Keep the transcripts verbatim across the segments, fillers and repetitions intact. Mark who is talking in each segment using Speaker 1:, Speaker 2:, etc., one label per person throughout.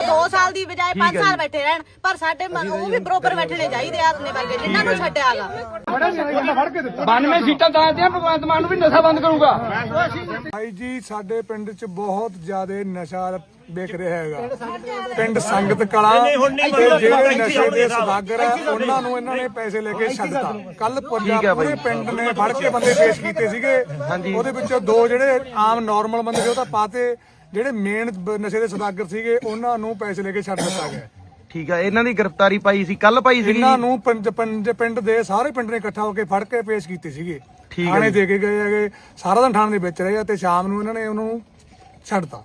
Speaker 1: दो साल की बजाय पांच साल बैठे रहन, पर साडे वो भी बरोबर बैठने चाहिए अपने वर्गे जिन्हां नूं छड्डियागा।
Speaker 2: बानवे सीटां दादियां भगवंत मान भी नशा बंद करूंगा।
Speaker 3: भाई जी साडे पिंड च बहुत ज्यादा नशा ਵਿਕ ਰਿਹਾ ਹੈਗਾ। ਪਿੰਡ ਸੰਗਤ ਕਲਾ ਤੇ ਜਿਹੜੇ ਨਸ਼ੇ ਦੇ ਸੌਦਾਗਰ ਆ ਉਹਨਾਂ ਨੂੰ ਇਹਨਾਂ ਨੇ ਪੈਸੇ ਲੈ ਕੇ ਛੱਡਤਾ। ਕੱਲ ਪੂਰੇ ਪਿੰਡ ਨੇ ਫੜ ਕੇ ਬੰਦੇ ਪੇਸ਼ ਕੀਤੇ ਸੀਗੇ, ਉਹਦੇ ਵਿੱਚੋਂ ਦੋ ਜਿਹੜੇ ਆਮ ਨਾਰਮਲ ਬੰਦੇ ਸੀ ਉਹ ਤਾਂ ਪਾਤੇ, ਜਿਹੜੇ ਮੇਨ ਨਸ਼ੇ ਦੇ ਸੌਦਾਗਰ ਸੀਗੇ ਉਹਨਾਂ ਨੂੰ ਪੈਸੇ ਲੈ ਕੇ ਛੱਡ ਦਿੱਤਾ ਗਿਆ।
Speaker 4: ਠੀਕ ਆ, ਇਹਨਾਂ ਦੀ ਗ੍ਰਿਫਤਾਰੀ ਪਾਈ ਸੀ ਕੱਲ ਪਾਈ ਸੀ।
Speaker 3: ਇਹਨਾਂ ਨੂੰ ਪਿੰਡ ਦੇ ਸਾਰੇ ਪਿੰਡ ਨੇ ਇਕੱਠਾ ਹੋ ਕੇ ਫੜ ਕੇ ਪੇਸ਼ ਕੀਤੇ ਸੀਗੇ, ਥਾਣੇ ਦੇ ਕੇ ਗਏ ਹੈਗੇ। ਸਾਰਾ ਦਿਨ ਥਾਣੇ ਦੇ ਵਿੱਚ ਰਹੇ ਤੇ ਸ਼ਾਮ ਨੂੰ ਇਹਨਾਂ ਨੇ ਉਹਨਾਂ ਨੂੰ ਛੱਡਤਾ।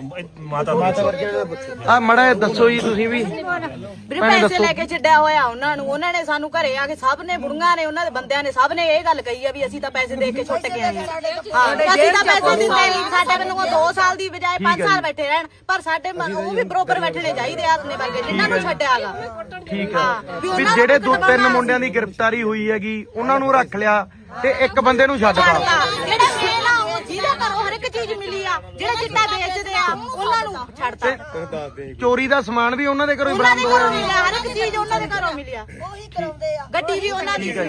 Speaker 4: ਆ ਮੜਾ ਦੱਸੋ ਜੀ ਤੁਸੀਂ ਵੀ
Speaker 1: ਵੀਰੇ ਪੈਸੇ ਲੈ ਕੇ ਛੱਡਿਆ ਹੋਇਆ ਉਹਨਾਂ ਨੂੰ। ਉਹਨਾਂ ਨੇ ਸਾਨੂੰ ਘਰੇ ਆ ਕੇ ਸਭ ਨੇ ਬੁੜੀਆਂ ਨੇ ਉਹਨਾਂ ਦੇ ਬੰਦਿਆਂ ਨੇ ਸਭ ਨੇ ਇਹ ਗੱਲ ਕਹੀ ਆ ਵੀ ਅਸੀਂ ਤਾਂ ਪੈਸੇ ਦੇ ਕੇ ਛੁੱਟ ਕੇ ਆਏ ਹਾਂ। ਅਸੀਂ ਤਾਂ ਪੈਸੇ ਦਿੰਦੇ ਨਹੀਂ, ਸਾਡੇ ਮੈਨੂੰ ਦੋ ਸਾਲ ਦੀ ਬਜਾਏ ਪੰਜ ਸਾਲ ਬੈਠੇ ਰਹਿਣ, ਪਰ ਸਾਡੇ ਉਹ ਵੀ ਬਰੋਬਰ ਬੈਠਣੇ ਚਾਹੀਦੇ ਆਪਣੇ ਵਰਗੇ ਜਿਨ੍ਹਾਂ ਨੂੰ ਛੱਡਿਆਗਾ।
Speaker 4: ਠੀਕ ਆ, ਵੀ ਜਿਹੜੇ ਦੋ ਤਿੰਨ ਮੁੰਡਿਆਂ ਦੀ ਗ੍ਰਿਫਤਾਰੀ ਹੋਈ ਹੈਗੀ ਉਹਨਾਂ ਨੂੰ ਰੱਖ ਲਿਆ ਤੇ ਇੱਕ ਬੰਦੇ ਨੂੰ ਛੱਡਤਾ।
Speaker 1: ਜਿਹੜੇ ਮੇਨ ਆ ਉਹ ਜਿਹਦੇ ਘਰੋਂ ਹਰ ਇੱਕ ਚੀਜ਼ ਮਿਲੀ ਆ, ਜਿਹੜੇ ਚਿੱਟਾ ਵੇਚਦੇ ਆ ਉਹਨਾਂ ਨੂੰ ਛੱਡਤਾ।
Speaker 4: ਚੋਰੀ ਦਾ ਸਮਾਨ ਵੀ ਉਹਨਾਂ ਦੇ ਘਰੋਂ ਹੀ ਬਰਾਮਦ ਹੋਇਆ ਜੀ।
Speaker 1: ਹਰ ਇੱਕ ਚੀਜ਼ ਉਹਨਾਂ ਦੇ ਘਰੋਂ ਮਿਲਿਆ, ਉਹੀ ਕਰਾਉਂਦੇ ਆ। ਗੱਡੀ ਵੀ ਉਹਨਾਂ ਦੀ ਸੀ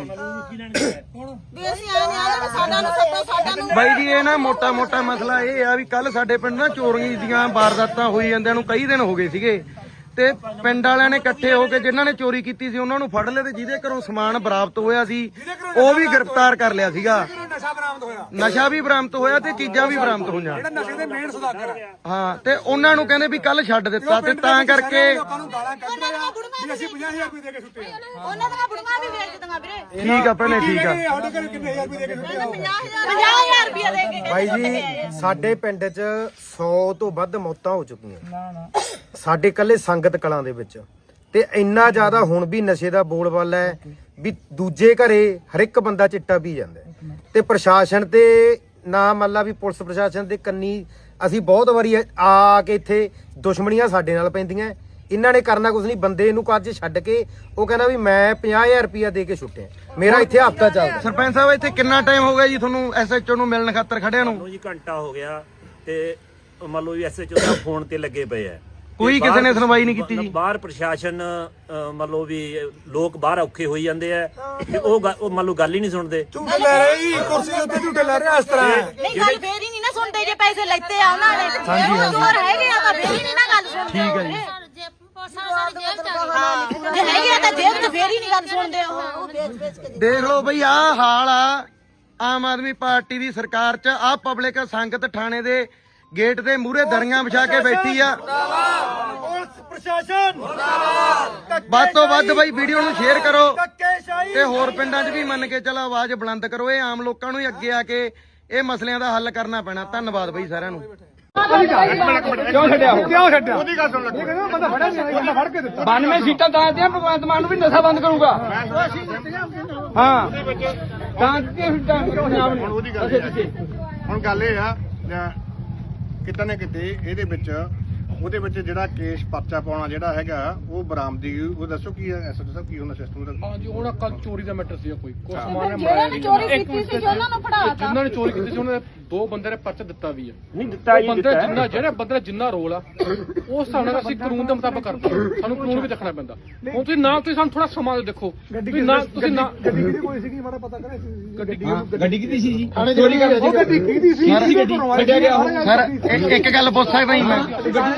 Speaker 1: ਵੀ ਅਸੀਂ ਆਏ ਆ ਸਾਡਾ ਨੂੰ ਸੱਤਾ ਸਾਡਾ ਨੂੰ।
Speaker 4: ਬਾਈ ਜੀ ਇਹ ਨਾ ਮੋਟਾ ਮੋਟਾ ਮਸਲਾ ਇਹ ਆ ਵੀ ਕੱਲ ਸਾਡੇ ਪਿੰਡ ਨਾ ਚੋਰੀਆਂ ਦੀਆਂ ਵਾਰਦਾਤਾਂ ਹੋਈ ਜਾਂਦਿਆਂ ਨੂੰ ਕਈ ਦਿਨ ਹੋ ਗਏ ਸੀਗੇ ਤੇ ਪਿੰਡ ਵਾਲਿਆਂ ਨੇ ਇਕੱਠੇ ਹੋ ਕੇ ਜਿਨ੍ਹਾਂ ਨੇ ਚੋਰੀ ਕੀਤੀ ਸੀ ਉਹਨਾਂ ਨੂੰ ਫੜ ਲਿਆ ਤੇ ਜਿਹਦੇ ਘਰੋਂ ਸਮਾਨ ਬਰਾਮਦ ਹੋਇਆ ਸੀ ਉਹ ਵੀ ਗ੍ਰਿਫਤਾਰ ਕਰ ਲਿਆ ਸੀਗਾ।
Speaker 3: ਨਸ਼ਾ ਬਰਾਮਦ ਹੋਇਆ,
Speaker 4: ਨਸ਼ਾ ਵੀ ਬਰਾਮਦ ਹੋਇਆ ਤੇ ਚੀਜ਼ਾਂ ਵੀ ਬਰਾਮਦ ਹੋਈਆਂ।
Speaker 3: ਜਿਹੜੇ ਨਸ਼ੇ ਦੇ ਮੇਨ ਸੌਦਾਗਰ
Speaker 4: ਹਾਂ, ਤੇ ਉਹਨਾਂ ਨੂੰ ਕਹਿੰਦੇ ਵੀ ਕੱਲ ਛੱਡ ਦਿੱਤਾ ਤੇ ਤਾਂ ਕਰਕੇ
Speaker 3: ਲੋਕਾਂ ਨੂੰ ਗਾਲਾਂ ਕੱਢ ਰਹੇ ਆ ਵੀ ਅਸੀਂ ਪੰਜਾਹ ਹਜ਼ਾਰ ਰੁਪਏ ਦੇ ਕੇ ਛੁੱਟੇ ਆ।
Speaker 1: ਉਹਨਾਂ ਦੀਆਂ ਬੁੜੀਆਂ ਵੀ ਵੇਚਦੀਆਂ ਵੀਰੇ।
Speaker 4: ਠੀਕ ਆ ਭੈਣੇ, ਠੀਕ ਆ।
Speaker 3: ਸਾਡੇ ਘਰ ਕਿੰਨੇ ਹਜ਼ਾਰ ਰੁਪਏ ਦੇ ਕੇ ਛੁੱਟੇ ਆ?
Speaker 1: ਪੰਜਾਹ ਹਜ਼ਾਰ ਰੁਪਏ ਦੇ ਕੇ।
Speaker 5: ਭਾਈ ਜੀ ਸਾਡੇ ਪਿੰਡ 'ਚ ਸੌ ਤੋਂ ਵੱਧ ਮੌਤਾਂ ਹੋ ਚੁੱਕੀਆਂ ਸਾਡੇ ਕੱਲੇ ਸੰਗਤ ਕਲਾਂ ਦੇ ਵਿੱਚ, ਤੇ ਇੰਨਾ ਜ਼ਿਆਦਾ ਹੁਣ ਵੀ ਨਸ਼ੇ ਦਾ ਬੋਲਬਾਲਾ ਹੈ ਵੀ ਦੂਜੇ ਘਰੇ ਹਰ ਇੱਕ ਬੰਦਾ ਚਿੱਟਾ ਪੀ ਜਾਂਦਾ ਤੇ ਪ੍ਰਸ਼ਾਸਨ ਤੇ ਨਾ ਮੰਨ ਲਾ ਵੀ ਪੁਲਿਸ ਪ੍ਰਸ਼ਾਸਨ ਦੇ ਕੰਨੀ ਅਸੀਂ ਬਹੁਤ ਵਾਰੀ ਆ ਕੇ ਇੱਥੇ ਦੁਸ਼ਮਣੀਆਂ ਸਾਡੇ ਨਾਲ ਪੈਂਦੀਆਂ। ਇਹਨਾਂ ਨੇ ਕਰਨਾ ਕੁਝ ਨਹੀਂ, ਬੰਦੇ ਨੂੰ ਅੱਜ ਛੱਡ ਕੇ ਉਹ ਕਹਿੰਦਾ ਵੀ ਮੈਂ ਪੰਜਾਹ ਹਜ਼ਾਰ ਰੁਪਇਆ ਦੇ ਕੇ ਛੁੱਟਿਆ। ਮੇਰਾ ਇੱਥੇ ਹਫਤਾ ਚੱਲਦਾ।
Speaker 4: ਸਰਪੰਚ ਸਾਹਿਬ ਇੱਥੇ ਕਿੰਨਾ ਟਾਈਮ ਹੋ ਗਿਆ ਜੀ ਤੁਹਾਨੂੰ ਐਸਐਚਓ ਨੂੰ ਮਿਲਣ ਖਾਤਰ ਖੜਿਆਂ ਨੂੰ?
Speaker 6: ਜੀ ਘੰਟਾ ਹੋ ਗਿਆ ਤੇ ਮੰਨ ਲਓ ਵੀ ਐਸਐਚਓ ਦਾ ਫੋਨ ਤੇ ਲੱਗੇ ਪਏ ਆ,
Speaker 4: ਕੋਈ ਕਿਸੇ ਨੇ ਸੁਣਵਾਈ ਨਹੀਂ ਕੀਤੀ ਜੀ।
Speaker 6: ਬਾਹਰ ਪ੍ਰਸ਼ਾਸਨ ਮੰਨ ਲਓ ਵੀ ਲੋਕ ਬਾਹਰ ਔਖੇ ਹੋਈ ਜਾਂਦੇ ਆ ਤੇ ਉਹ ਉਹ ਮੰਨ ਲਓ ਗੱਲ ਹੀ ਨਹੀਂ ਸੁਣਦੇ।
Speaker 3: ਝੂਟੇ ਲੈ ਰਹੇ ਜੀ, ਕੁਰਸੀ ਦੇ ਉੱਤੇ ਝੂਟੇ ਲੈ ਰਹੇ ਇਸ ਤਰ੍ਹਾਂ।
Speaker 1: ਨਹੀਂ ਗੱਲ ਫੇਰ ਹੀ ਨਹੀਂ ਨਾ ਸੁਣਦੇ ਜੇ ਪੈਸੇ ਲੈਤੇ ਆ ਉਹਨਾਂ ਨੇ। ਹਾਂਜੀ ਹੋਰ ਹੈਗੇ ਆ ਤਾਂ ਫੇਰ ਹੀ ਨਹੀਂ ਨਾ ਗੱਲ ਸੁਣਦੇ।
Speaker 4: ਠੀਕ ਹੈ ਜੀ।
Speaker 1: ਜੇ ਹੈਗੇ ਆ ਤਾਂ ਜੇਬ ਚ ਫੇਰ ਹੀ ਨਹੀਂ ਗੱਲ ਸੁਣਦੇ ਉਹ।
Speaker 4: ਦੇਖ ਲਓ ਬਈ ਆਹ ਹਾਲ ਆ ਆਮ ਆਦਮੀ ਪਾਰਟੀ ਦੀ ਸਰਕਾਰ ਚ। ਆਹ ਪਬਲਿਕ ਸੰਗਤ ਥਾਣੇ ਦੇ ਗੇਟ ਦੇ ਮੂਹਰੇ ਦਰੀਆਂ ਵਿਛਾ ਕੇ ਬੈਠੀ ਆ।
Speaker 3: ਪ੍ਰਸ਼ਾਸਨ
Speaker 4: ਵੱਧ ਤੋਂ ਵੱਧ ਬਈ ਵੀਡੀਓ ਨੂੰ ਸ਼ੇਅਰ ਕਰੋ ਤੇ ਹੋਰ ਪਿੰਡਾਂ 'ਚ ਵੀ ਮੰਨ ਕੇ ਚਲੋ ਆਵਾਜ਼ ਬੁਲੰਦ ਕਰੋ। ਇਹ ਆਮ ਲੋਕਾਂ ਨੂੰ ਹੀ ਅੱਗੇ ਆ ਕੇ ਇਹ ਮਸਲਿਆਂ ਦਾ ਹੱਲ ਕਰਨਾ ਪੈਣਾ। ਧੰਨਵਾਦ ਬਈ ਸਾਰਿਆਂ ਨੂੰ।
Speaker 2: ਕਿਉਂ ਛੱਡਿਆ
Speaker 3: ਕਿਉਂ ਛੱਡਿਆ? ਉਹਦੀ ਗੱਲ ਸੁਣ ਲੈ, ਬੰਦਾ ਫੜਿਆ ਨਹੀਂ, ਬੰਦਾ ਫੜ ਕੇ ਦਿੱਤਾ।
Speaker 2: ਬਾਨਵੇਂ ਸੀਟਾਂ ਦਾਦਿਆਂ ਭਗਵੰਤ ਮਾਨ ਵੀ ਨਸ਼ਾ ਬੰਦ ਕਰੂੰਗਾ। ਹਾਂ ਤਾਂ ਕਿ ਪੰਜਾਬ ਨੂੰ
Speaker 7: ਉਹਦੀ ਗੱਲ ਹੁਣ ਗੱਲ ਇਹ ਆ ਕਿਤੇ ਨਾ ਕਿਤੇ ਇਹਦੇ ਵਿੱਚ ਉਹਦੇ ਵਿੱਚ ਜਿਹੜਾ ਕੇਸ ਪਰਚਾ ਪਾਉਣਾ ਜਿਹੜਾ ਹੈਗਾ ਉਹ ਬਰਾਮਦੀ ਉਹ ਦੱਸੋ ਕੀ ਹੈ ਐਸਐਚਓ ਸਾਹਿਬ ਕੀ ਹੁੰਦਾ ਸਿਸਟਮ ਦਾ?
Speaker 2: ਹਾਂਜੀ ਉਹਨਾਂ ਕੱਲ ਚੋਰੀ ਦਾ ਮੈਟਰ ਸੀ ਕੋਈ ਕੋਈ ਸਮਾਨ
Speaker 1: ਜਿਹਨਾਂ ਨੇ ਚੋਰੀ ਕੀਤੀ ਸੀ ਉਹਨਾਂ ਨੂੰ ਫੜਾਤਾ।
Speaker 2: ਜਿਨ੍ਹਾਂ ਨੇ ਚੋਰੀ ਕੀਤੀ ਸੀ ਉਹਨਾਂ ਦੇ ਦੋ ਬੰਦੇ ਨੇ ਪਰਚਾ ਦਿੱਤਾ ਵੀ ਹੈ। ਨਹੀਂ ਦਿੱਤਾ ਜੀ, ਬੰਦੇ ਜਿੰਨਾ ਜਿਹੜੇ ਬੰਦੇ ਦਾ ਜਿੰਨਾ ਰੋਲ ਆ ਉਸ ਹਿਸਾਬ ਨਾਲ ਅਸੀਂ ਕਾਨੂੰਨ ਦੇ ਮੁਤਾਬਕ ਕਰਦੇ ਹਾਂ। ਸਾਨੂੰ ਕਾਨੂੰਨ ਵੀ ਦੇਖਣਾ ਪੈਂਦਾ। ਹੁਣ ਤੁਸੀਂ ਨਾ ਤੁਸੀਂ ਸਾਨੂੰ ਥੋੜਾ ਸਮਾਂ ਦੇਖੋ ਵੀ ਨਾ ਤੁਸੀਂ ਨਾ
Speaker 3: ਗੱਡੀ ਕਿਹਦੀ ਕੋਈ ਸੀਗੀ ਮਾੜਾ ਪਤਾ ਕਰੇ।
Speaker 2: ਗੱਡੀ ਗੱਡੀ ਕਿਹਦੀ ਸੀ ਜੀ?
Speaker 3: ਚੋਰੀ ਕਰ ਸੀ ਗੱਡੀ ਕਿਹਦੀ ਸੀ?
Speaker 2: ਛੱਡਿਆ ਗਿਆ
Speaker 4: ਸਰ ਇੱਕ ਗੱਲ ਪੁੱਛ ਸਕਦਾ ਜੀ ਮੈਂ?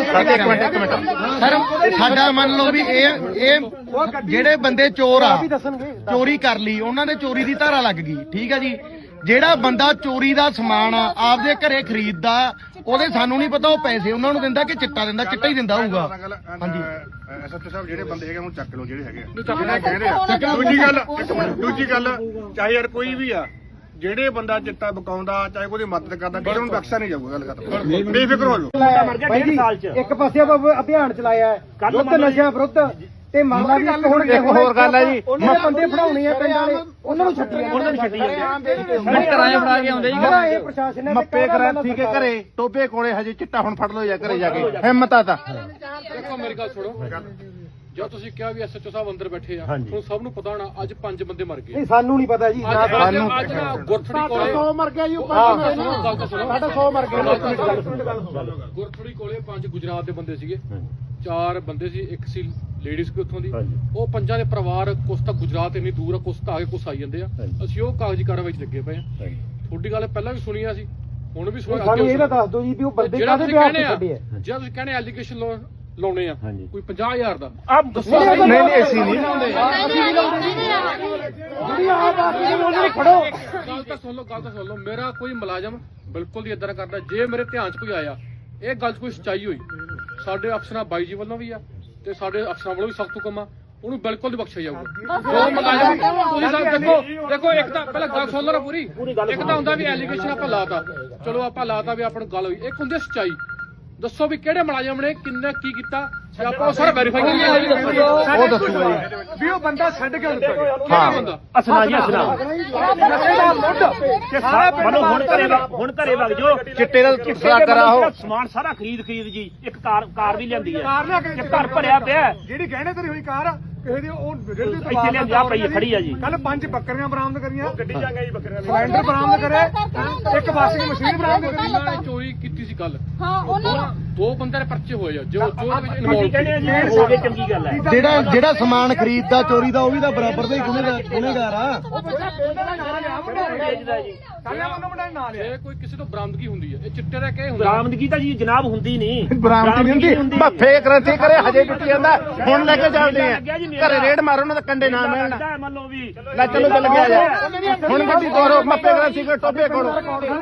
Speaker 4: ਸਰ ਸਾਡਾ ਮੰਨ ਲਓ ਵੀ ਇਹ ਇਹ ਜਿਹੜੇ ਬੰਦੇ ਚੋਰ ਆ ਚੋਰੀ ਕਰ ਲਈ ਉਹਨਾਂ ਦੇ ਚੋਰੀ ਦੀ ਧਾਰਾ ਲੱਗ ਗਈ। ਠੀਕ ਹੈ ਜੀ। ਜਿਹੜਾ ਬੰਦਾ ਚੋਰੀ ਦਾ ਸਮਾਨ ਆਪਦੇ ਘਰੇ ਖਰੀਦਦਾ ਉਹਦੇ ਸਾਨੂੰ ਨਹੀਂ ਪਤਾ ਉਹ ਪੈਸੇ ਉਹਨਾਂ ਨੂੰ ਦਿੰਦਾ ਕਿ ਚਿੱਟਾ ਦਿੰਦਾ। ਚਿੱਟਾ ਹੀ ਦਿੰਦਾ ਹੋਊਗਾ। ਹਾਂਜੀ
Speaker 7: ਐਸਐਚਓ ਸਾਹਿਬ ਜਿਹੜੇ ਬੰਦੇ ਹੈਗੇ ਉਹਨੂੰ ਚੱਕ ਲਓ ਜਿਹੜੇ ਹੈਗੇ ਜਿਹੜੇ ਕਹਿੰਦੇ ਆ। ਦੂਜੀ ਗੱਲ ਦੂਜੀ ਗੱਲ ਚਾਹੇ ਯਾਰ ਕੋਈ ਵੀ ਆ ਜਿਹੜੇ ਬੰਦਾ ਚਿੱਟਾ ਬਕਾਉਂਦਾ ਚਾਹੇ ਉਹਦੀ ਮਦਦ ਕਰਦਾ ਕਿਸੇ ਨੂੰ ਬਖਸ਼ਿਆ ਨਹੀਂ ਜਾਊਗਾ। ਗੱਲ ਖਤਮ, ਬੇਫਿਕਰ ਹੋ ਜਾਓ।
Speaker 5: ਇੱਕ ਪਾਸੇ ਆਪਾਂ ਅਭਿਆਨ ਚਲਾਇਆ ਵਿਰੁੱਧ ਨਸ਼ਾ ਵਿਰੁੱਧ ਤੇ ਮੰਨ ਲਾ ਵੀ ਇੱਕ ਹੁਣ
Speaker 2: ਇੱਕ ਹੋਰ ਗੱਲ ਹੈ ਜੀ,
Speaker 5: ਉਹਨਾਂ ਬੰਦੇ ਫੜਾਉਣੇ ਆ ਪਿੰਡ ਵਾਲੇ ਉਹਨਾਂ ਨੂੰ ਛੱਡੀ ਉਹਨਾਂ ਨੂੰ ਛੱਡੀ ਜਾਂਦੇ
Speaker 2: ਕਰਾਏ ਫੜਾ ਕੇ ਆਉਂਦੇ ਜੀ।
Speaker 5: ਇਹ ਪ੍ਰਸ਼ਾਸਨ ਨੇ
Speaker 7: ਮੱਪੇ ਕਰਾਂਤੀ ਕੇ ਘਰੇ ਟੋਬੇ ਕੋਲੇ ਹਜੇ ਚਿੱਟਾ ਹੁਣ ਫੜ ਲਓ ਜਾਂ ਘਰੇ ਜਾ ਕੇ ਹਿੰਮਤ ਆ ਤਾਂ।
Speaker 2: ਦੇਖੋ ਮੇਰੀ ਗੱਲ ਸੁਣੋ, ਜਦ ਤੁਸੀਂ ਕਿਹਾ ਵੀ ਐਸਐਚਓ ਸਾਹਿਬ ਅੰਦਰ ਬੈਠੇ ਆ ਤੁਹਾਨੂੰ ਸਭ ਨੂੰ ਪਤਾ ਹੋਣਾ ਅੱਜ ਪੰਜ ਬੰਦੇ ਮਰ ਗਏ।
Speaker 5: ਨਹੀਂ ਸਾਨੂੰ ਨਹੀਂ ਪਤਾ ਜੀ।
Speaker 2: ਸਾਨੂੰ ਅੱਜ ਨਾ ਗੁਰਥੜੀ ਕੋਲੇ
Speaker 5: ਸੌ ਮਰ ਗਿਆ ਜੀ।
Speaker 2: ਗੱਲ ਤਾਂ ਸੁਣੋ,
Speaker 5: ਸਾਡਾ ਸੌ ਮਰ ਗਿਆ।
Speaker 2: ਗੁਰਥੜੀ ਕੋਲੇ ਪੰਜ ਗੁਜਰਾਤ ਦੇ ਬੰਦੇ ਸੀਗੇ ਚਾਰ ਬੰਦੇ ਸੀ, ਇੱਕ ਸੀ ਲੇਡੀਜ਼ ਕੋਈ ਉੱਥੋਂ ਦੀ। ਉਹ ਪੰਜਾਂ ਦੇ ਪਰਿਵਾਰ ਕੁਛ ਤਾਂ ਗੁਜਰਾਤ ਇੰਨੀ ਦੂਰ ਆ, ਕੁਛ ਤਾਂ ਆ ਕੇ ਕੁਛ ਆਈ ਜਾਂਦੇ ਆ। ਅਸੀਂ ਉਹ ਕਾਗਜ਼ੀ ਕਾਰਵਾਈ 'ਚ ਲੱਗੇ ਪਏ ਆ। ਤੁਹਾਡੀ ਗੱਲ ਪਹਿਲਾਂ ਵੀ ਸੁਣੀ ਆ, ਅਸੀਂ ਹੁਣ ਵੀ ਸੁਣੀ।
Speaker 5: ਸਾਨੂੰ ਇਹ ਤਾਂ ਦੱਸ ਦਿਓ ਜੀ ਵੀ ਉਹ ਬੰਦੇ ਕਾਹਦੇ ਵਿਆਹ ਤੇ ਛੱਡੇ ਆ।
Speaker 2: ਜਿਹੜਾ ਤੁਸੀਂ ਕਹਿੰਦੇ ਐਲੀਗੇਸ਼ਨ ਲਾਉਣੇ ਆ ਕੋਈ ਪੰਜਾਹ ਹਜ਼ਾਰ ਦਾ,
Speaker 5: ਨਹੀਂ ਨਹੀਂ ਅਸੀਂ ਨਹੀਂ
Speaker 2: ਗੱਲ ਤਾਂ ਸੁਣ ਲਓ, ਗੱਲ ਤਾਂ ਸੁਣ ਲਓ। ਮੇਰਾ ਕੋਈ ਮੁਲਾਜ਼ਮ ਬਿਲਕੁਲ ਨਹੀਂ ਇਦਾਂ ਕਰਦਾ। ਜੇ ਮੇਰੇ ਧਿਆਨ 'ਚ ਕੋਈ ਆਇਆ ਇਹ ਗੱਲ 'ਚ ਕੋਈ ਸੱਚਾਈ ਹੋਈ, ਸਾਡੇ ਅਫਸਰਾਂ ਬਾਈ ਜੀ ਵੱਲੋਂ ਵੀ ਆ ਤੇ ਸਾਡੇ ਅਫਸਰਾਂ ਵੱਲੋਂ ਵੀ ਸਖਤ ਹੁਕਮ ਆ, ਉਹਨੂੰ ਬਿਲਕੁਲ ਨਹੀਂ ਬਖਸ਼ਿਆ ਜਾਊਗਾ। ਜੋ ਮੁਲਾਜ਼ਮ ਤੁਸੀਂ ਸਾਹਿਬ ਦੇਖੋ ਦੇਖੋ ਇੱਕ ਤਾਂ ਪਹਿਲਾਂ ਗੱਲ ਸੁਣ ਲਓ ਨਾ ਪੂਰੀ। ਇੱਕ ਤਾਂ ਹੁੰਦਾ ਵੀ ਐਲੀਗੇਸ਼ਨ ਆਪਾਂ ਲਾਤਾ, ਚਲੋ ਆਪਾਂ ਲਾਤਾ ਵੀ ਆਪਾਂ ਨੂੰ ਗੱਲ ਹੋਈ। ਇੱਕ ਹੁੰਦੀ ਸੱਚਾਈ, ਦੱਸੋ ਵੀ ਕਿਹੜੇ ਮੁਲਾਜ਼ਮ ਨੇ ਕਿੰਨੇ ਕੀ ਕੀਤਾ, ਤੇ ਆਪਾਂ ਉਹ ਸਾਰਾ ਵੈਰੀਫਾਈ ਕਰੀਏ।
Speaker 3: ਉਹ ਦੱਸੂਗਾ ਜੀ ਵੀ ਉਹ ਬੰਦਾ ਛੱਡ ਕੇ ਉੱਤਰ ਗਿਆ।
Speaker 2: ਹਾਂ ਬੰਦਾ
Speaker 6: ਅਸਨਾ ਜੀ ਅਸਨਾ ਮਨੋ ਹੁਣ ਘਰੇ ਵਗ- ਹੁਣ ਘਰੇ ਵਗ ਜੋ
Speaker 4: ਚਿੱਟੇ ਦਾ ਸਦਾਗਰ ਆ ਉਹ।
Speaker 6: ਸਮਾਨ ਸਾਰਾ ਖਰੀਦ ਖਰੀਦ ਜੀ ਇੱਕ ਕਾਰ ਕਾਰ ਵੀ ਲਿਆਂਦੀ ਹੈ,
Speaker 3: ਕਾਰ ਲਿਆ ਕੇ
Speaker 6: ਇੱਕ ਘਰ ਭਰਿਆ ਪਿਆ
Speaker 3: ਜਿਹੜੀ ਗਹਿਣੇ ਤੇਰੀ ਹੋਈ ਕਾਰ ਕਿਸੇ ਦੀ ਉਹ ਰੇੜੀ ਤੋਂ
Speaker 6: ਇੱਥੇ ਲਿਆਂਦੀ ਆ ਪਈ ਹੈ, ਖੜੀ ਆ ਜੀ।
Speaker 3: ਕੱਲ ਪੰਜ ਬੱਕਰੀਆਂ ਬਰਾਮਦ ਕਰੀਆਂ, ਗੱਡੀ ਜਾਂਗਾ ਜੀ ਬੱਕਰੀਆਂ ਸਿਲੰਡਰ ਬਰਾਮਦ ਕਰੇ, ਇੱਕ ਵਾਸ਼ਿੰਗ ਮਸ਼ੀਨ ਬਰਾਮਦ ਕਰੀ।
Speaker 2: ਇਹਨਾਂ ਨੇ ਚੋਰੀ ਕੀਤੀ ਸੀ ਕੱਲ।
Speaker 1: ਹਾਂ ਉਹਨਾਂ
Speaker 2: ਦੋ ਬੰਦੇ ਦੇ ਪਰਚੇ ਹੋਏ ਆ ਜੋ ਜੋ ਉਹਦੇ ਵਿੱਚ
Speaker 6: ਅਸੀਂ
Speaker 2: ਇਨਵੋਲਵ
Speaker 6: ਕਹਿੰਦੇ ਆ ਜੀ ਹੋ ਗਏ, ਚੰਗੀ ਗੱਲ ਹੈ।
Speaker 4: ਜਿਹੜਾ ਜਿਹੜਾ ਸਮਾਨ ਖਰੀਦਦਾ ਚੋਰੀ ਦਾ ਉਹ ਵੀ ਤਾਂ ਬਰਾਬਰ ਦਾ ਹੀ ਗੁਨੇਗਾਰ ਗੁਨੇਗਾਰ ਆ।
Speaker 2: ਜੇ ਕੋਈ ਕਿਸੇ ਤੋਂ ਬਰਾਮਦਗੀ ਹੁੰਦੀ ਹੈ, ਇਹ ਚਿੱਟੇ ਦਾ ਕਹੇ ਹੁੰਦਾ।
Speaker 6: ਬਰਾਮਦਗੀ ਤਾਂ ਜੀ ਜਨਾਬ ਹੁੰਦੀ ਨਹੀਂ,
Speaker 4: ਬਰਾਮਦੀ ਨਹੀਂ ਹੁੰਦੀ, ਭੱਫੇ ਕ੍ਰਾਂਤੀ ਕਰੇ ਹਜੇ ਕਿੱਥੇ ਜਾਂਦਾ। ਹੁਣ ਲੈ ਕੇ ਚੱਲਦੇ ਆ ਘਰੇ ਰੇਡ ਮਾਰੋ, ਉਹਨਾਂ ਦੇ ਕੰਡੇ ਨਾ ਮਿਲਣ।
Speaker 6: ਮੰਨ ਲਓ ਵੀ
Speaker 4: ਲੈ ਚਲੋ ਚੱਲ ਗਿਆ ਜਾ ਹੁਣ ਗੱਡੀ ਤੋਰੋ, ਮੱਪੇ ਕ੍ਰਾਂਤੀ ਕੇ ਟੋਪੇ ਕੋੜੋ।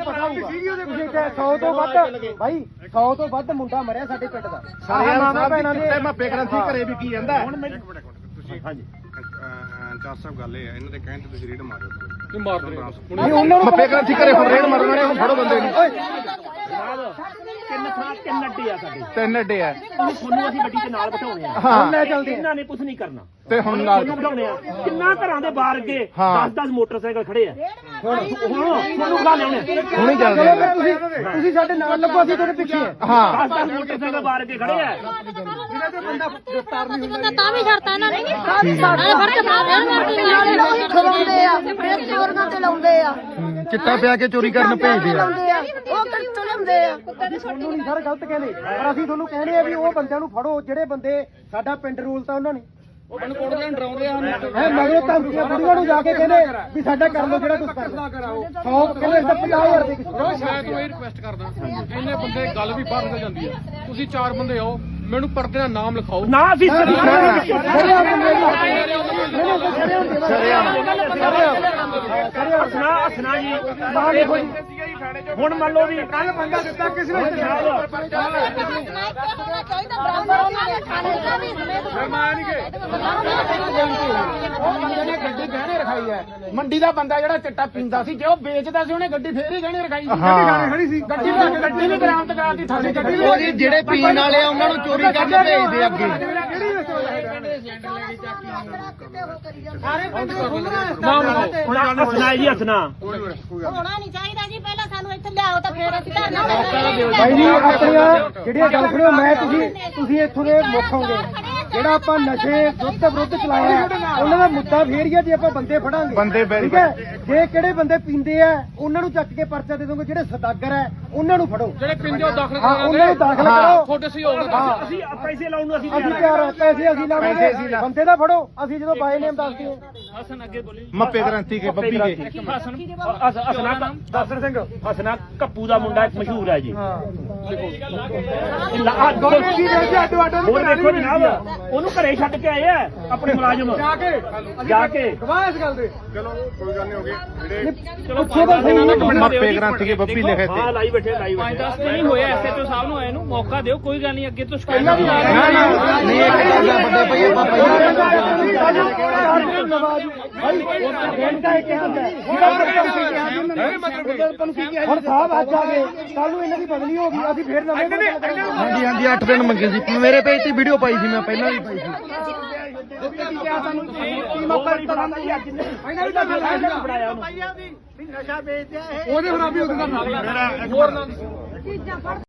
Speaker 5: ਸੌ ਤੋਂ ਵੱਧ ਭਾਈ ਸੌ ਤੋਂ ਵੱਧ ਮੁੰਡਾ ਮਰਿਆ ਸਾਡੇ ਪਿੰਡ ਦਾ।
Speaker 4: ਸਾਰੇ ਭੈਣਾਂ ਦੇ ਮੱਪੇ ਕ੍ਰਾਂਤੀ ਘਰੇ ਵੀ ਕੀ ਜਾਂਦਾ।
Speaker 7: ਤੁਸੀਂ ਹਾਂਜੀ ਚਾਰ ਸਾਹਿਬ ਗੱਲ ਇਹ ਹੈ, ਇਹਨਾਂ ਦੇ ਕਹਿਣ ਤੇ ਤੁਸੀਂ ਰੇਡ ਮਾਰਿਓ
Speaker 2: ਇਹ ਮਾਰ ਦੇ
Speaker 4: ਨਹੀਂ ਉਹਨਾਂ ਨੂੰ ਮੱਪੇ ਕ੍ਰਾਂਤੀ ਘਰੇ ਹੁਣ ਰੇਡ ਮਾਰੋ ਨਾਲੇ ਹੁਣ ਫੜੋ ਬੰਦੇ ਨੂੰ।
Speaker 6: ਤਿੰਨ ਥਾਂ ਤਿੰਨ ਅੱਡੇ ਆ ਸਾਡੇ,
Speaker 4: ਤਿੰਨ ਅੱਡੇ ਆ
Speaker 6: ਤੁਹਾਨੂੰ ਅਸੀਂ ਗੱਡੀ ਦੇ ਨਾਲ ਬਿਠਾਉਣੇ ਆ।
Speaker 4: ਹਾਂ
Speaker 5: ਲੈ ਚੱਲਦੇ
Speaker 6: ਇਹਨਾਂ ਨੇ ਕੁਝ ਨਹੀਂ ਕਰਨਾ
Speaker 4: ਤੇ ਹੁਣ ਨਾਲ
Speaker 6: ਤੁਹਾਨੂੰ ਬਿਠਾਉਣੇ ਆ। ਕਿੰਨਾ ਘਰਾਂ ਦੇ ਬਾਹਰ ਅੱਗੇ
Speaker 4: ਹਾਂ।
Speaker 6: ਦਸ ਦਸ ਮੋਟਰਸਾਈਕਲ ਖੜੇ ਆ। ਹੁਣ ਹੁਣ ਤੁਹਾਨੂੰ ਬੁਲਾ ਲਿਆਉਣੇ
Speaker 4: ਹੁਣੇ ਚੱਲਦੇ ਆ।
Speaker 5: ਤੁਸੀਂ ਤੁਸੀਂ ਸਾਡੇ ਨਾਲ ਲੱਗੋ, ਅਸੀਂ ਤੁਹਾਡੇ ਪਿੱਛੇ ਆ।
Speaker 4: ਹਾਂ
Speaker 6: ਦਸ ਦਸ ਮੋਟਰਸਾਈਕਲ ਬਾਹਰ ਅੱਗੇ ਖੜੇ ਆ।
Speaker 1: ਤਾਂ ਵੀ ਛੱਡਤਾ ਇਹਨਾਂ ਨੇ ਸਾਰੇ ਫੜ ਕੇ ਬਾਹਰ ਮਾਰਦੇ ਖਵਾਉਂਦੇ ਆ, ਫਿਰ ਚੋਰੀਆਂ ਤੇ ਲਾਉਂਦੇ ਆ,
Speaker 4: ਚਿੱਟਾ ਪਿਆ ਕੇ ਚੋਰੀ ਕਰਨ ਭੇਜਦੇ ਆ।
Speaker 1: ਲਾਉਂਦੇ ਆ, ਉਹ ਕਿੱਥੋਂ ਲਾਉਂਦੇ ਆ।
Speaker 5: ਤੁਹਾਨੂੰ ਨਹੀਂ ਸਰ ਗਲਤ ਕਹਿੰਦੇ, ਪਰ ਅਸੀਂ ਤੁਹਾਨੂੰ ਕਹਿੰਦੇ ਆ ਵੀ ਉਹ ਬੰਦਿਆਂ ਨੂੰ ਫੜੋ ਜਿਹੜੇ ਬੰਦੇ ਸਾਡਾ ਪਿੰਡ ਰੂਲ ਤਾਂ ਉਹਨਾਂ ਨੇ।
Speaker 2: ਮੈਨੂੰ ਕੋੜ ਲੈਣ ਡਰਾਉਂਦੇ ਆ।
Speaker 5: ਹੈ ਮਗਰੋਂ ਧਮਕੀਆਂ ਬੁੜੀਆਂ ਨੂੰ ਜਾ ਕੇ ਕਹਿੰਦੇ ਵੀ ਸਾਡਾ ਕਰ ਲਓ ਜਿਹੜਾ ਕੁਝ ਕਰਨਾ। ਸੌ ਕਹਿੰਦੇ ਤਾਂ ਪੰਜਾਹ ਹਜ਼ਾਰ ਦੇ ਕਿਸੇ
Speaker 2: ਮੈਂ ਤੁਹਾਨੂੰ ਇਹ ਰਿਕੁਐਸਟ ਕਰਦਾ, ਇੰਨੇ ਬੰਦੇ ਗੱਲ ਵੀ ਬਾਹਰ ਨਿਕਲ ਜਾਂਦੀ ਹੈ। ਤੁਸੀਂ ਚਾਰ ਬੰਦੇ ਆਓ, ਮੈਨੂੰ ਪਰਦੇ ਦਾ ਨਾਮ ਲਿਖਾਓ।
Speaker 6: ਨਾ ਅਸੀਂ ਹਸਨਾ ਹਸਨਾ ਜੀ ਹੁਣ ਮੰਨ ਲਓ ਵੀ
Speaker 3: ਕੱਲ ਬੰਦਾ ਦਿੱਤਾ ਕਿਸੇ ਨੇ
Speaker 8: ਗੱਡੀ ਗਹਿਣੇ ਰਖਾਈ ਹੈ। ਮੰਡੀ ਦਾ ਬੰਦਾ ਜਿਹੜਾ ਚਿੱਟਾ ਪੀਂਦਾ ਸੀ, ਜੇ ਉਹ ਵੇਚਦਾ ਸੀ ਉਹਨੇ ਗੱਡੀ ਫੇਰ ਹੀ ਗਹਿਣੇ ਰਖਾਈ ਸੀ।
Speaker 4: ਹਾਂ
Speaker 3: ਖੜੀ ਸੀ
Speaker 8: ਗੱਡੀ ਵੀ ਗੱਡੀ ਵੀ ਬਰਾਮਦ ਕਰਾਤੀ ਥਾਣੇ ਗੱਡੀ ਵੀ।
Speaker 4: ਉਹ ਜੀ ਜਿਹੜੇ ਪੀਣ ਵਾਲੇ ਆ ਉਹਨਾਂ ਨੂੰ ਚੋਰੀ ਕਰਨ ਭੇਜਦੇ ਅੱਗੇ।
Speaker 2: ਨਾਮ ਲਿਖਾਓ।
Speaker 6: ਹੁਣ ਹਸਨਾ ਜੀ ਹਸਨਾ
Speaker 1: ਹੋਣਾ ਨਹੀਂ ਚਾਹੀਦਾ ਜੀ, ਪਹਿਲਾਂ ਸਾਨੂੰ ਇੱਥੇ ਲਿਆਓ ਤਾਂ ਫੇਰ ਅਸੀਂ ਧਰਨਾ ਦੇਵਾਂਗੇ।
Speaker 5: ਭਾਈ ਜੀ ਆਪਣੀਆਂ ਜਿਹੜੀਆਂ ਗੱਲ ਕਰਿਓ, ਮੈਂ ਤੁਸੀਂ ਤੁਸੀਂ ਇੱਥੋਂ ਦੇ ਮੁੱਖ ਹੋਗੇ। ਜਿਹੜਾ ਆਪਾਂ ਨਸ਼ੇ ਵਿਰੁੱਧ ਵਿਰੁੱਧ ਚਲਾਇਆ ਹੈ, ਉਹਨਾਂ ਦਾ ਮੁੱਦਾ ਫੇਰ ਹੀ ਆ ਜੇ ਆਪਾਂ ਬੰਦੇ ਫੜਾਂਗੇ।
Speaker 4: ਬੰਦੇ
Speaker 5: ਠੀਕ ਹੈ, ਜੇ ਕਿਹੜੇ ਬੰਦੇ ਪੀਂਦੇ ਆ ਉਹਨਾਂ ਨੂੰ ਚੱਕ ਕੇ ਪਰਚਾ ਦੇ ਦੋਗੇ, ਜਿਹੜੇ ਸਦਾਗਰ ਹੈ ਉਹਨਾਂ ਨੂੰ ਫੜੋ।
Speaker 2: ਜਿਹੜੇ ਪਿੰਡੇ ਉਹ ਦਾਖਲ
Speaker 5: ਹਾਂ ਉਹਨਾਂ ਨੂੰ ਦਾਖਲ ਕਰੋ।
Speaker 2: ਤੁਹਾਡੇ ਸਹਿਯੋਗ ਨਾਲ
Speaker 6: ਅਸੀਂ ਪੈਸੇ ਲਾਉਣ ਨੂੰ ਅਸੀਂ
Speaker 5: ਅਸੀਂ ਤਿਆਰ ਹਾਂ, ਪੈਸੇ ਅਸੀਂ ਲਾਵਾਂਗੇ, ਬੰਦੇ ਦਾ ਫੜੋ। ਅਸੀਂ ਜਦੋਂ ਬਾਈ ਨੇਮ ਦੱਸਦੇ ਹਾਂ
Speaker 6: ਹਸਨ ਅੱਗੇ ਬੋਲੀ
Speaker 4: ਮੱਪੇ ਕ੍ਰਾਂਤੀ ਕੇ ਬੱਬੀ ਕੇ
Speaker 6: ਹਸਨਾ ਦਸਰ ਸਿੰਘ ਹਸਨਾ ਕੱਪੂ ਦਾ ਮੁੰਡਾ ਇੱਕ ਮਸ਼ਹੂਰ ਹੈ ਜੀ। ਹੋਰ ਦੇਖੋ ਜਨਾਬ, ਉਹਨੂੰ ਘਰੇ ਛੱਡ ਕੇ ਆਏ ਆ ਆਪਣੇ ਮੁਲਾਜ਼ਮ
Speaker 3: ਜਾ ਕੇ
Speaker 6: ਜਾ ਕੇ।
Speaker 3: ਗਵਾਹ ਇਸ ਗੱਲ ਦੇ।
Speaker 7: ਚਲੋ ਕੋਈ ਗੱਲ ਨਹੀਂ ਹੋ ਗਈ ਜਿਹੜੇ
Speaker 5: ਪੁੱਛੋ ਤਾਂ ਸਹੀ।
Speaker 4: ਮੱਪੇ ਕ੍ਰਾਂਤੀ ਕੇ ਬੱਬੀ ਲਿਖੇ ਤੇ।
Speaker 6: ਹਾਂ ਲਾਈ ਬੈਠੇ ਲਾਈ ਬੈਠੇ
Speaker 9: ਦਸ ਦਿਨ ਹੀ ਹੋਇਆ ਐਸਐਚਓ ਸਾਹਿਬ ਨੂੰ ਆਏ ਨੂੰ, ਮੌਕਾ ਦਿਓ, ਕੋਈ ਗੱਲ ਨਹੀਂ, ਅੱਗੇ ਤੋਂ ਸ਼ਿਕਾਇਤ
Speaker 4: ਨਾ ਨਾ ਨਹੀਂ ਇਹ ਕਿਹੜਾ ਵੱਡੇ ਪਈਏ ਪਾਪਾ
Speaker 5: ਹੁਣ ਸਾਹਿਬ ਅੱਜ ਆ ਗਏ, ਕੱਲ ਨੂੰ ਇਹਨਾਂ ਦੀ ਬਦਲੀ ਹੋ ਗਈ, ਅਸੀਂ ਫੇਰ ਨਵੇਂ ਬੰਦੇ ਕਰਾਂਗੇ।
Speaker 4: ਹਾਂਜੀ ਹਾਂਜੀ ਅੱਠ ਦਿਨ ਮੰਗੇ ਸੀ। ਮੇਰੇ ਪੇਜ ਤੇ ਵੀਡੀਓ ਪਾਈ ਸੀ, ਮੈਂ ਪਹਿਲਾਂ ਵੀ ਪਾਈ ਸੀ।
Speaker 3: ਉਹਦੇ ਖਰਾਬੀ ਉਹਦੇ ਨਾਲ
Speaker 2: ਹੋਰ ਨਾ